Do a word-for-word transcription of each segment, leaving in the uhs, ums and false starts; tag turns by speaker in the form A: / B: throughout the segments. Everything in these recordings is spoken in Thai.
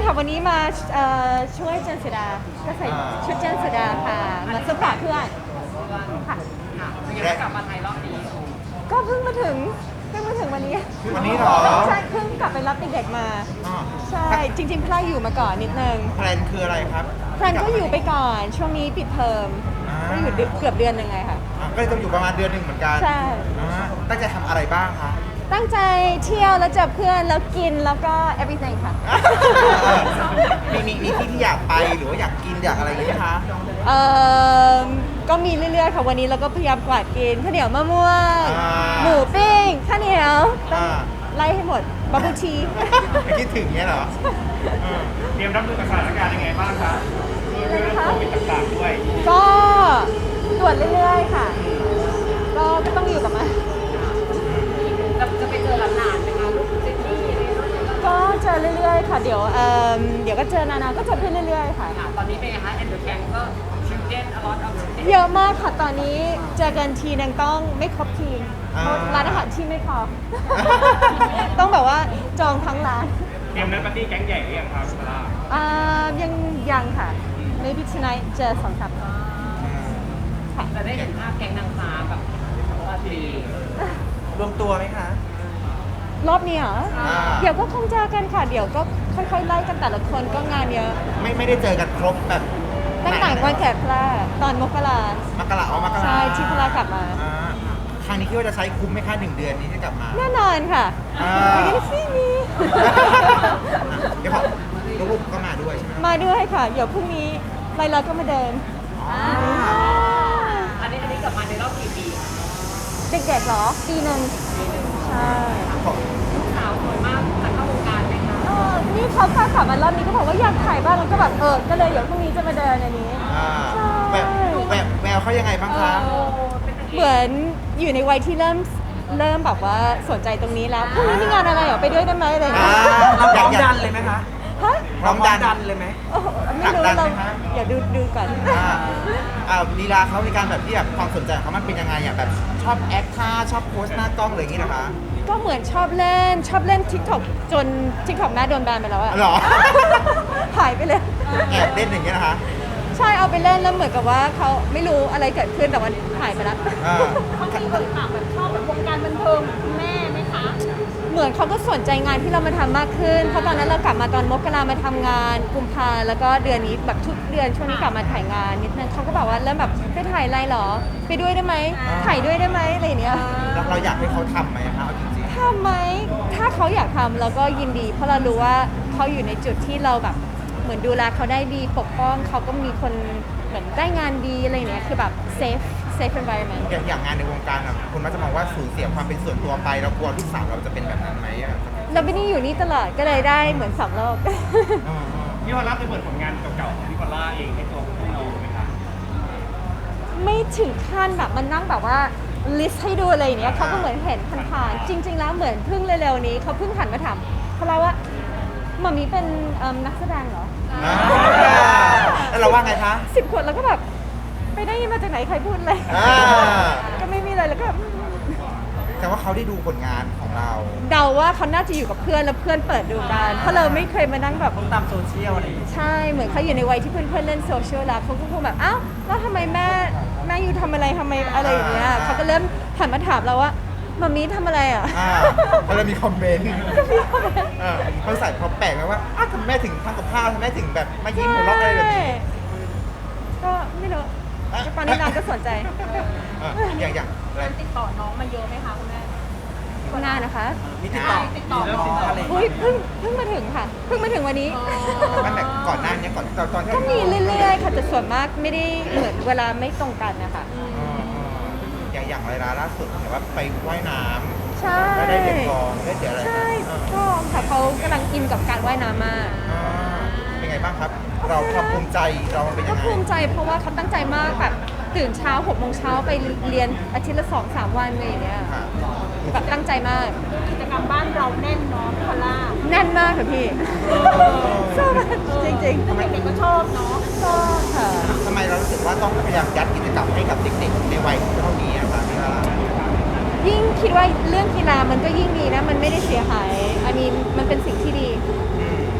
A: ค่ะวันนี้มาเอ่อช่วยเจนสุดาก็ใส่ชุดเจนสุดาค่ะมาสปอร์ตเพื่อนค่ะ
B: เป็นยังไงกลับมาไทยรอบนี้
A: ก็เพิ่งมาถึงเพิ่งมาถึงวันนี้
C: วันนี้เหรอ
A: ใช่เพิ่งกลับไปรับเด็กๆมา
C: อ๋อ
A: ใช่จริงๆพลาอยู่มาก่อนนิดนึง
C: แพลนคืออะไรครับ
A: แพลนก็อยู่ไปก่อนช่วงนี้ปิดเทอม
C: อ่า
A: ก็อยู่เดือนเกือบเดือนหนึ่งไงค่ะ
C: อ่ะก็เลยต้องอยู่ประมาณเดือนหนึ่งเหมือนกัน
A: ใช่
C: อ่าตั้งใจทำอะไรบ้างคะ
A: ตั้งใจเที่ยวแล้วเจอเพื่อนแล้วกินแล้วก็ everything ค่ะ
C: มีมีมีที่ที่อยากไปหรือว่าอยากกินอยากอะไรอย่างนี้ไหมคะ
A: เอ่อก็มีเรื่อยๆค่ะวันนี้เราก็พยายามกวาดกินข้าวเหนียวมะม่วง
C: อ่า
A: หมูปิ้งข้าวเหนียวต้อง
C: อ่า
A: ไล่ให้หมดบับเบิ้ลที
C: ไม่คิดถึงเนี้ยเหรออืม
B: เตรียมรับมือกับสถานการณ์ยังไงบ้างคะ
A: อะไรนะคะ
B: โควิดต่างๆด้วย
A: ก็ตรวจเรื่อยๆค่ะ ก็ก็ต้องอยู่กับมัน
B: จะจะไปเจอหลานๆไหมคะลูกเจนนี่อะไรด้วย
A: ก็เจอเรื่อยๆค่ะ เดี๋ยวเอ่อเดี๋ยวก็เจอนานาก็เจอเพื่อนเรื่อยๆค่ะ
B: ค่ะตอนนี้เป็นไงคะแอนเดอร์แกงก็ชิลเด้นอลอตออฟชิลเด้น
A: เยอะมากค่ะตอนนี้เจอกันทีนึงต้องไม่ครบทีมเพราะร้านอาหารที่ไม่พอ ต้องแบบว่าจองทั้งร้าน
B: เตรียมนัดปาร์ตี้แก๊งใหญ่หรือยังครับซาร่า
A: อ่ายังยังค่ะ maybe tonight เจอสองสามคนค่ะ
B: จะได้เห็นภาพแก๊งนางฟ้าแบบปาร์ตี้
C: รวมตัวไหมคะ
A: รอบนี้เหรอ
C: อ่า
A: เดี๋ยวก็คงเจอกันค่ะ เดี๋ยวก็ค่อยๆไล่กันแต่ละคนก็งานเยอะ
C: ไม่ไม่ได้เจอกันครบแบบ
A: ตั้งแต่วันแขกพลาตอนมกราม
C: กราเอามกรา
A: ใช่ที่พลากลับมา
C: อ่าครั้งนี้คิดว่าจะใช้คุ้มไหมคะหนึ่งเดือนนี้ที่กลับมา
A: แน่นอนค่ะ
C: อ่า
A: ไปกันสิมี
C: เดี๋ยวพอลูกๆก็มาด้วยใช่ไหม
A: มาด้วยค่ะ เดี๋ยวพรุ่งนี้ไลลาก็มาเดิน
C: อ่า
B: อันนี้อันนี้กลับมาในรอบกี่ปี
A: เด็กๆเหรอ ปีหนึ่งใช่
C: ของ
B: ลูกสาวสวยมากจะเข้าวงการไหมคะ
A: เออนี่เขาพากลับมารอบนี้ก็บอกว่าอยากถ่ายบ้างแล้วก็แบบเออ ก็เลยเดี๋ยวพรุ่งนี้จะมาเดินอันนี้
C: อ่า
A: ใช่
C: แววแววแววเขายังไงบ้างคะ
B: โอ้เป็นนางเอก
A: เหมือนอยู่ในวัยที่เริ่มเริ่มแบบว่าสนใจตรงนี้แล้วพรุ่งนี้มีงานอะไรเหรอไปด้วยได้ไหมอะไรอย่าง
C: อ่า
A: เงี้ย
C: เราพร้อมดัน
D: เลยไหมคะ
A: ฮะ
C: พร้อมดันเลยไหม
A: โอ้โหไม่รู้
C: ผลักดั
A: เรา
C: นไหมคะ
A: อย่าดูดูก่อน
C: อ่าอ่าลีลาเขาในการแบบที่แบบความสนใจของเขามันเป็นยังไงอ่ะแบบชอบแอคท่าชอบโพสหน้ากล้องอะไรอย่างงี้นะคะ
A: ก็เหมือนชอบเล่นชอบเล่น TikTok จน TikTok แม่โดนแบนไปแล้วอะ
C: หรอ
A: หายไปเลย
C: แอบเล่นอย่างเงี้ยนะคะ
A: ใช่เอาไปเล่นแล้วเหมือนกับว่าเขาไม่รู้อะไรเกิดขึ้นแต่ว่าหายไปแล้ว
C: อ่า
A: เขามีคนถามแบบชอบแบบวงการบันเทิงแม่ไหมคะ เหมือนเขาก็สนใจงานที่เรามาทำมากขึ้น เพราะตอนนั้นเรากลับมาตอนมกรามาทำงานกุมภาแล้วก็เดือนนี้แบบทุกเดือนช่วงนี้กลับมาถ่ายงานนิดนึงเขาก็บอกว่าเริ่มแบบไปถ่ายอะไรเหรอ ไปด้วยได้ไหมถ่ายด้วยได้ไหมอะไรอย่างเนี้ย
C: แล้วเราอยากให้เขาทำไหมคะเอาจริง
A: ทำไหมถ้าเขาอยากทำเราก็ยินดี เพราะเรารู้ว่าเขาอยู่ในจุดที่เราแบบเหมือนดูแลเขาได้ดีปกป้องเขาก็มีคนเหมือนได้งานดีอะไรอย่างเนี้ยคือแบบ safe safe environment
C: ๆอย่างอย่างงานในวงการอ่ะคนมักจะมองว่าสูญเสียความเป็นส่วนตัวไปเรากลัวลูกสาวเราจะเป็นแบบนั้นไหมอ่ะ
A: เราไม่ได้อยู่นี่ตลอดก็เลยได้เหมือนสองโลก
C: อืม
B: พี่พอลล่าเคยเปิดผลงานเก่าๆของพี่พอลล่าเองให้ตัวพี่โนไหมคะ
A: ไม่ถึงขั้นแบบมันนั่งแบบว่า list ให้ดูอะไรอย่างเนี้ยเขาก็เหมือนเห็นผ่านๆจริง ๆ แล้วเหมือนเพิ่งเร็วๆนี้เขาเพิ่งหันมาถามเขาเล่าว่าหมามีเป็นเอิ่มนักแสดงเหรอ
C: อ่าแล้วเราว่าไงคะ
A: สิบขวดแล้วก็แบบไปได้ยินมาจากไหนใครพูดเลย
C: อ่า
A: ก็ไม่มีอะไรแล้วก็แบบ
C: แต่ว่าเขาได้ดูผลงานของเรา
A: เดาว่าเขาน่าจะอยู่กับเพื่อนแล้วเพื่อนเปิดดูกันเพราะเราไม่เคยมานั่งแบบ
D: ต้องตามโซเชียลอะไรอย่างเงี้ย
A: ใช่เหมือนเขาอยู่ในวัยที่เพื่อนๆเล่นโซเชียลแล้วเขาก็คงแบบอ้าวแล้วทำไมแม่แม่อยู่ทำอะไรทำไมอะไรอย่างเงี้ยเขาก็เริ่มหันมาถามเราว่ามามีทำอะไรอ่ะ
C: อ่าแล้วเรามีคอมเมนต์เออเขาใส่พอแปลกไหมว่าอ้าวทำไมแม่ถึงทำกับข้าวทำไมแม่ถึงแบบมายิ้มหัวเราะอะไรแบบนี้
A: ก็ไม่รู้ตอนนี้นางก็สนใจ
C: เอออย่างอย่างอะไร
B: ติดต่อน้องมาเยอะไหมคะคุณแม่
A: งานนะคะ
D: มีติดต่อ
B: ติดต่อ
D: มีเรื่องติดต่ออะไรอย่าง
A: อุ้
D: เงี้
A: ย
D: ย
A: เพิ่งเพิ่งมาถึงค่ะเพิ่งมาถึงวันนี้
C: มันแบบก่อนหน้านี้ก่อนตอนตอนที่
A: ก็มีเรื่อยๆค่ะแต่ส่วนมากไม่ได้เหมือนเวลาไม่ตรงกันนะคะ
C: อ๋ออย่างอย่างไรล่าสุดเห็นว่าไปว่ายน้
A: ใช่
C: ำแล้วได้เหรียญทองได้เหรียญอะไร
A: ใช่
C: เออ
A: ก็ค่ะเขากำลังอินกับการว่ายน้ำมาก
C: อ่าเป็นไงบ้างครับ เราความภูมิใจเรามันเป็น
A: ก็
C: ยังไง
A: ภูมิใจเพราะว่าเขาตั้งใจมากแบบตื่นเช้าหกโมงเช้าไปเรียนอาทิตย์ละสองสามวันอะไรอย่างเงี้ย
C: ค่ะ
A: แบบตั้งใจมาก
B: กิจกรรมบ้านเราแน่นเนาะพี่พอลล่า
A: แน่นมากค่ะพี่ชอบมากจริง
B: เด็กๆก็ชอบเนาะ
A: ๆชอบค่ะ
C: ทำไมเรารู้สึกว่าต้องพยายามยัดกิจกรรมให้กับเด็กๆในวัยเท่านี้อะครับพี่ลา
A: ยิ่งคิดว่าเรื่องกีฬามันก็ยิ่งดีนะ มันไม่ได้เสียหายอันนี้มันเป็นสิ่งที่ดี
C: อืม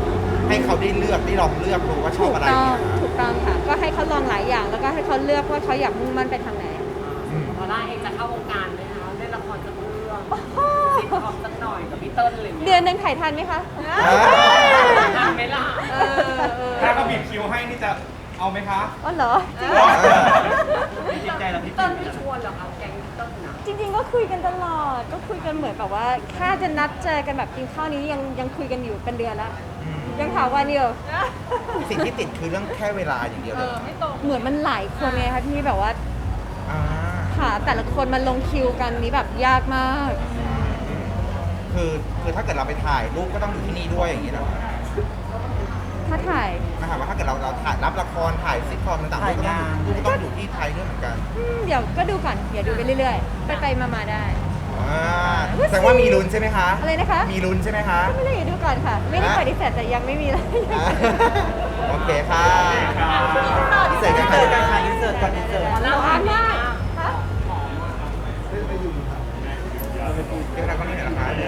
C: ให้เขาได้เลือกได้ลองเลือกดูว่าชอ
A: ถู
C: บ
A: ก
C: อะไร
A: ต้อง
C: เนี่ย
A: ถูกต้องค่ะ ก็ให้เขาลองหลายอย่าง แล้วก็ให้เขาเลือกว่าเขาอยากมุ่งมั่นไปทางไหน
C: อืม
B: พอล่าเองจะเข้าวงการไหมคะเล่นละครสักเรื่องซิทคอมสักหน่อยกับพี่เติ้ลอะไรอย่าง
A: เดื
B: เงี้ย
A: อนหนึ่งถ่ายทันไหมคะ
B: ทันไหมล่ะ
A: เออเออ
D: ถ้าเขาบีบคิวให้นี่จะเอาไหมคะ
A: อ๋อเหรอจริงเหรอ
D: จริงใจเราพี่
B: พี่เติ้ลไม่ชวนเหรอคะแก๊งพี่เติ้ลนะ
A: จริงๆ ก็คุยกันตลอด ก็คุยกันเหมือนแบบว่าแค่จะนัดเจอกันแบบกินข้าวนี้ยังยังคุยกันอยู่เป็นเดือนแล้ว
C: อืม
A: ยังถามวันอยู่
C: สิ่งที่ติดคือเรื่องแค่เวลาอย่างเดียวเลย
A: เหมือนมันหลายคนไงคะที่แบบว่า
C: อ่า
A: หาแต่ละคนมาลงคิวกันนี้แบบยากมาก
C: คือคือถ้าเกิดเราไปถ่ายรูปก็ต้องอยู่ที่นี่ด้วยอย่างนี้เหรอ
A: ถ้าถ่าย
C: นะครับว่าถ้าเกิดเราเราถ่ายรับละครถ่ายซิทคอมต่างๆรูปก็ต้องรูปก็ต้องอยู่ที่ไทยด้วยเหมือนกัน
A: อืมเดี๋ยวก็ดูก่อน เดี๋ยวดูไปเรื่อยๆ ไปไปๆมาๆได้
C: อ่าแสดงว่ามีลุ้นใช่ไหมคะ
A: อะไรนะคะ
C: มีลุ้นใช่ไหมคะ
A: ก็ไม่ได้อยู่ดูก่อนค่ะ ไม่ได้ปฏิเสธแต่ยังไม่มีเลย
C: อ่าโอเคค่ะ
A: พิ
C: เสร็จกัน
D: เสิร์ตกัน
C: ค่ะ
D: ค่ะอินเสิร์ตก่อนอินเสิร์ต
A: ร้อนมาก
C: เดี๋ยวเราก็นี่หน่อยนะคะ